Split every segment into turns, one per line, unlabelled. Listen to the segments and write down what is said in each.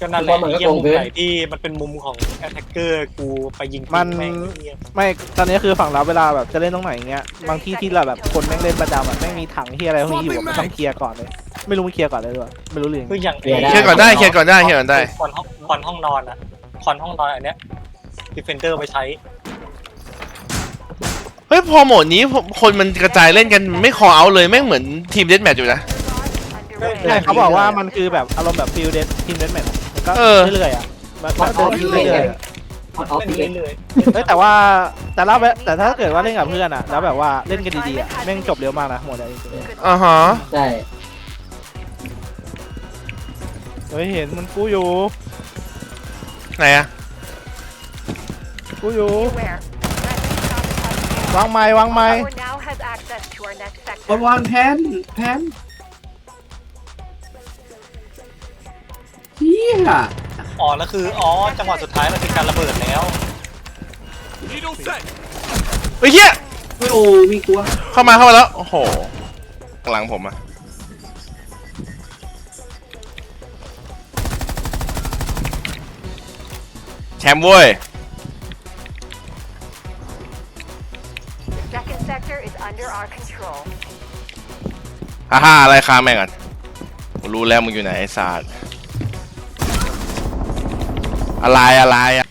ก็นั่นแหละเยี่ยมุมไหนที่มันเป็นมุมของแอตแทกเกอร์กูไปยิง
มันไม่ตอนนี้คือฝั่งเราเวลาแบบจะเล่นตรงไหนอย่างเงี้ยบางที่ที่เราแบบคนแม่งเล่นประจำแบบแม่งมีถังที่อะไรพวกนี้อยู่มันต้องเคลียร์ก่อนเลยไม่รู้มันเคลียร์ก่อนเลยด้วยไม่รู้เลย
คืออย่าง
เคลียร์ก่อนได้ค
อนห้องนอนอ่ะคอนห้องนอนอันเนี้ยดิเฟนเดอร์ไปใช้
เฮ้ยพอโหมดนี้คนมันกระจายเล่นกันไม่คอเอาเลยแม่งเหมือนทีมเดธแมทอยู่นะ
ใช่เขาบอกว่ามันคือแบบอารมณ์แบบฟิลเดสทีมเดสแมทมันก็เรื่อยๆอ่ะมันเดินเรื่อย
ๆเรื่อย
ๆแต่ถ้าเกิดว่าเล่นกับเพื่อนอ่ะแล้วแบบว่าเล่นกันดีๆอ่ะแม่งจบเร็วมากนะหมดเลย
ฮะ
ใช่
เห็นมันกู้อยู่
ไหนอะ
กู้อยู่วางไม้
วางแผนเฮีย
แล้วคือจังหวะสุดท้ายมันเป็นการระเบิดแล้ว
เฮ้ยเฮีย
โอ้มีกลัว
เข้ามาแล้วโอ้โหหลังผมอะแชมป์เว้ยฮ่าอะไรค้าแม่งก่อนรู้แล้วมึงอยู่ไหนไอ้ศาสตร์อะไรอะ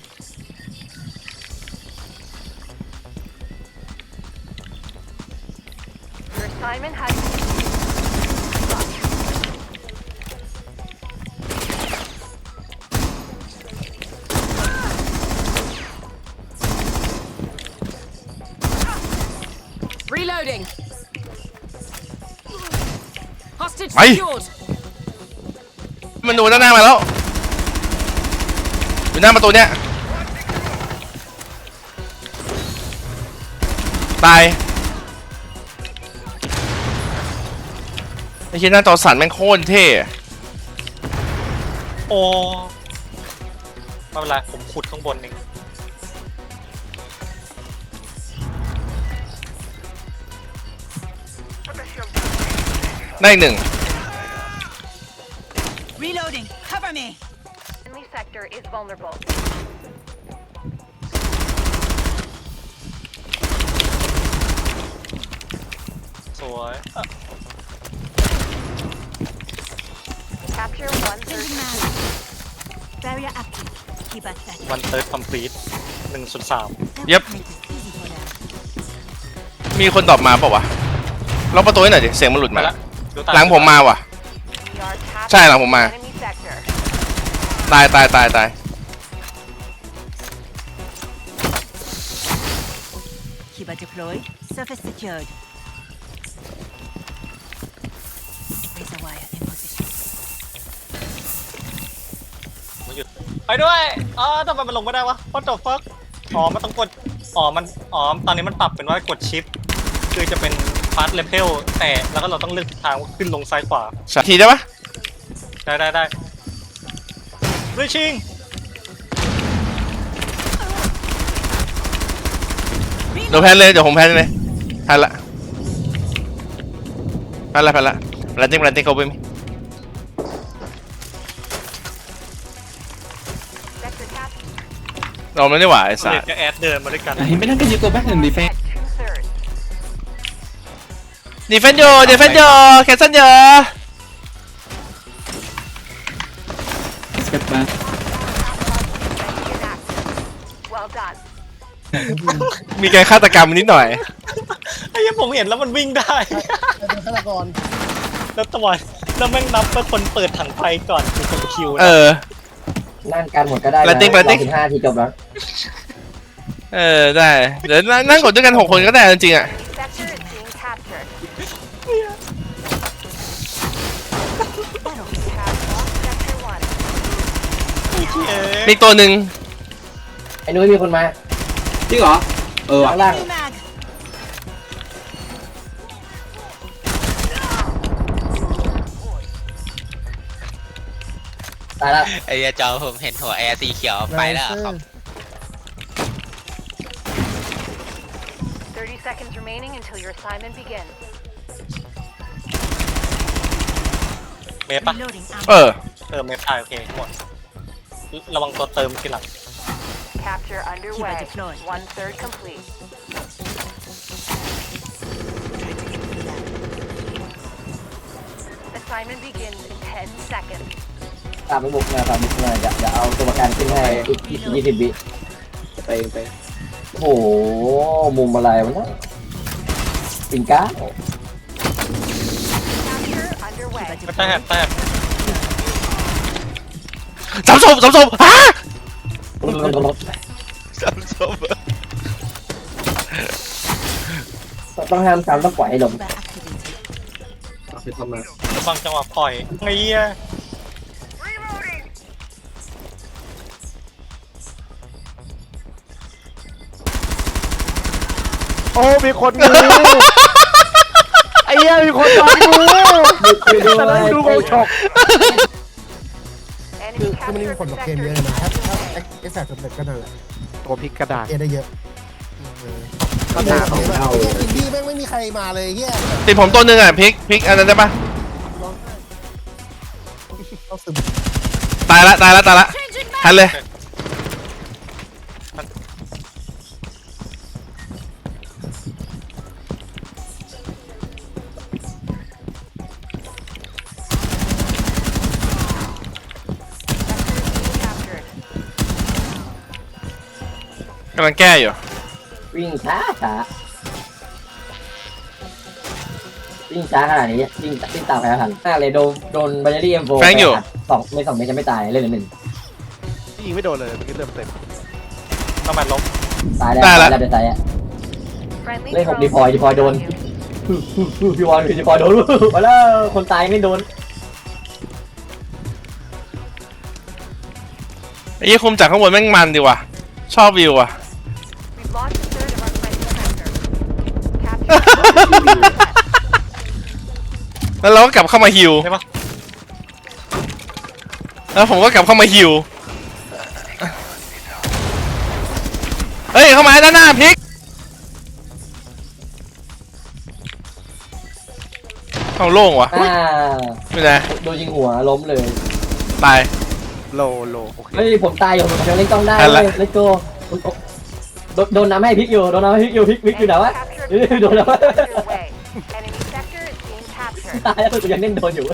ไปมันดูด้านหน้ามาแล้วอยู่หน้าประตูเนี้ยตายไอ้เหี้ยหน้าจอสั่นแม่งโคตรเท่
ไม่เป็นไรผมขุดข้างบนเอง
ได้หนึ่ง
Reloading. Cover me.
Enemy sector is vulnerable.
สวย
Capture 1/3.
Barrier active. Keep us set.
วันเติร์ดคอมพลีท1/3
ยับมีคนตอบมาเปล่าวะล็อกประตูให้หน่อยดิเสียงมันหลุดมาหลังผมมาว่ะใช่หลังผมมาตาย
Kiba deployed. Surface secured. Razor wire in position.
มันหยุดไปด้วยทำไมมันลงไม่ได้วะ What the fuck มันต้องกดตอนนี้มันปรับเป็นว่ากดชิปคือจะเป็นฟาสต์เลเวลแต่แล้วก็เราต้องเลือกทิศทางขึ้นลงซ้ายขวา
ทีได้ปะ
ได้ด้วยชิง
เดี๋ยวแพนเลยเดี๋ยวผมแพนเลยแพนละแพนติ้งเขาไปมั้ยเราไม่ได้หว่าไอ้สัส
จะแอดเดินมาด้วยกัน
เห็นไม่ได้ก็ยืนตัวแบ็คหนึ่งดีเฟน
แคนเซิลเยอะ
สเก็ตมา
มีการฆาตกรรมนิดหน่อย
ไอ้ยังผมเห็นแล้วมันวิ่งได้ฆาตกรแล้วตะวันแล้วแม่งนับเป็นคนเปิดถังไฟก่อนคือคนคิว
นั่งกันหมดก็ได้
นะ
15 ทีจบแล้ว
ได้เดี๋ยวนั่งกดด้วยกัน6 คนก็ได้จริงๆอ่ะมีตัวหนึ่ง
ไอ้นุ้ยมีคนมาจริงเหรอข้างล่างตายแล้ว
ไอ้จอผมเห็นหัวแอร์สีเขียวไปแล้วครับ
30 seconds remaining until your assignment begins.
เมฟปะ
เมฟตาย
โอเคหมดระวังตัวเติมทีหลัง
Capture underway.
deployed.
1/3 complete. Assignment begins in 10 seconds.
ตามไปบุกนะตามบุกนะอย่าเอาตัวประกันขึ้นให้อีก20 วิไปโอ้โหมุมอะไรวะเนี่ยปิงก้า
Capture underway.
ไม่แต่แต่
สามศพฮะสามศพ
ต้องห้ามซ้ำต้องปล่อยให้ลง
Kiba activated.
บางจังหวะปล่อยไงเงี้ย
โอ้มีคนงูไอ้เหี้ยมีคนโดนงูจะได้ดูโกช็อก
Enemy
คือมันมี
captured
ผลกับเกมเยอะ
sector.
เลยนะถ้าเอ็กซ์แซกสำเร็จก็นั่นแหละ
ตัวพลิกกระดาษ
เอได้เยอะ
ก็หนาของเรา
อินดี้แม่งไม่มีใครมาเลยเฮีย
ติดผมตัวหนึ่งอ่ะพลิกอันนั้นได้ปะ
ต้องซึม
ตายละทันเลย
Captured.
กำลังแก้อยู่
วิ่งช้าขนาดนี้วิ่งตามใครทันมากเลยโดนบัญชีM4
แฟงอยู่
2 เมตรจะไม่ตายเล่นหนึ่ง
ยิงไม่โดนเลยเมื่อกี้เริ่มเต็ม
ต้องมาลบ
ตายแล้ว
ได้ละ
เดี๋ยวตายอ่ะ
Friendly
เล่น6
drone
ดีพอยโดน
on you.
ดีพอยโดนมาแล้วคนตายไม่โดน
ไอ้ยี่คุมจากข้างบนแม่งมันดีว่ะชอบวิวอ่ะ
We've lost a third of our flight sector. Capture.
แล้วเราก็กลับเข้ามาฮิว
ใช่ปะ
แล้วผมก็กลับเข้ามาฮิวเฮ้ยเข้ามาด้านหน้าพลิกเอาโล่งว่ะไม่ได้
โดนยิงหัวล้มเลย
ตาย
โลโอเค
เฮ้ยผมตายอยู่ผมยังเล่นกล้องได้
ทัน
เล
ละ
ยเลตโกโดนน้ำให้พลิกอยู่พลิกอยู่ไหนวะ
Captured.
โดนน้ำ
Underway. Enemy sector is being captured.
ตายแล้วกูยังเล่นโดนอยู่